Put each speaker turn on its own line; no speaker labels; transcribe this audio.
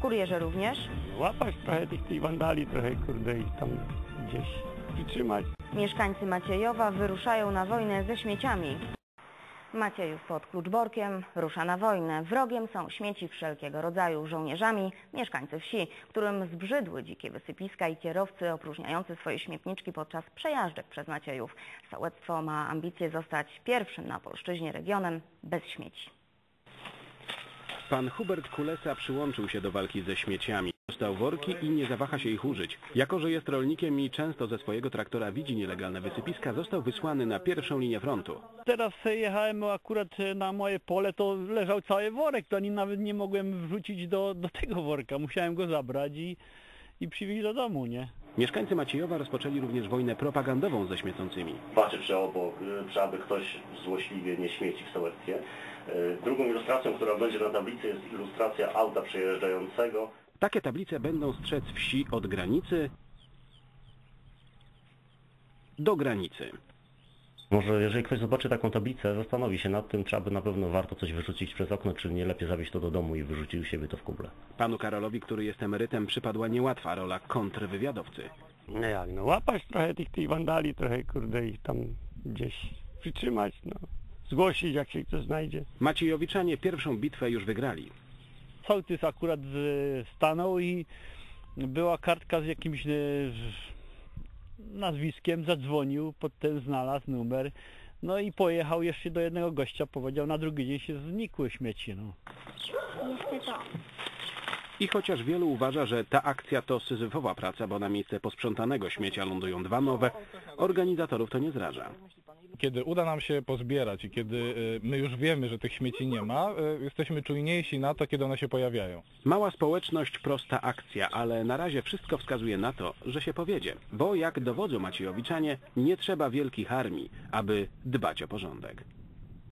Kurierze również.
Łapać trochę tych wandali, trochę kurde ich tam gdzieś przytrzymać.
Mieszkańcy Maciejowa wyruszają na wojnę ze śmieciami. Maciejów pod Kluczborkiem rusza na wojnę. Wrogiem są śmieci wszelkiego rodzaju, żołnierzami mieszkańcy wsi, którym zbrzydły dzikie wysypiska i kierowcy opróżniający swoje śmietniczki podczas przejażdżek przez Maciejów. Sołectwo ma ambicje zostać pierwszym na polszczyźnie regionem bez śmieci.
Pan Hubert Kulesa przyłączył się do walki ze śmieciami. Dostał worki i nie zawaha się ich użyć. Jako że jest rolnikiem i często ze swojego traktora widzi nielegalne wysypiska, został wysłany na pierwszą linię frontu.
Teraz jechałem akurat na moje pole, to leżał cały worek, to nawet nie mogłem wrzucić do tego worka. Musiałem go zabrać i przywieźć do domu, nie?
Mieszkańcy Maciejowa rozpoczęli również wojnę propagandową ze śmiecącymi.
Patrzę, czy aby ktoś złośliwie nie śmieci w sołectwie. Drugą ilustracją, która będzie na tablicy, jest ilustracja auta przejeżdżającego.
Takie tablice będą strzec wsi od granicy do granicy.
Może jeżeli ktoś zobaczy taką tablicę, zastanowi się nad tym, czy aby na pewno warto coś wyrzucić przez okno, czy nie lepiej zawieźć to do domu i wyrzucić u siebie to w kuble.
Panu Karolowi, który jest emerytem, przypadła niełatwa rola kontrwywiadowcy.
No jak, no łapać trochę tych wandali, trochę kurde ich tam gdzieś przytrzymać, no. Zgłosić, jak się ktoś znajdzie.
Maciejowiczanie pierwszą bitwę już wygrali.
Sołtys akurat stanął i była kartka z jakimś nazwiskiem, zadzwonił, potem znalazł numer, no i pojechał jeszcze do jednego gościa, powiedział, na drugi dzień się znikły śmieci. No.
I chociaż wielu uważa, że ta akcja to syzyfowa praca, bo na miejsce posprzątanego śmiecia lądują dwa nowe, organizatorów to nie zraża.
Kiedy uda nam się pozbierać i kiedy my już wiemy, że tych śmieci nie ma, jesteśmy czujniejsi na to, kiedy one się pojawiają.
Mała społeczność, prosta akcja, ale na razie wszystko wskazuje na to, że się powiedzie. Bo jak dowodzą Maciejowiczanie, nie trzeba wielkich armii, aby dbać o porządek.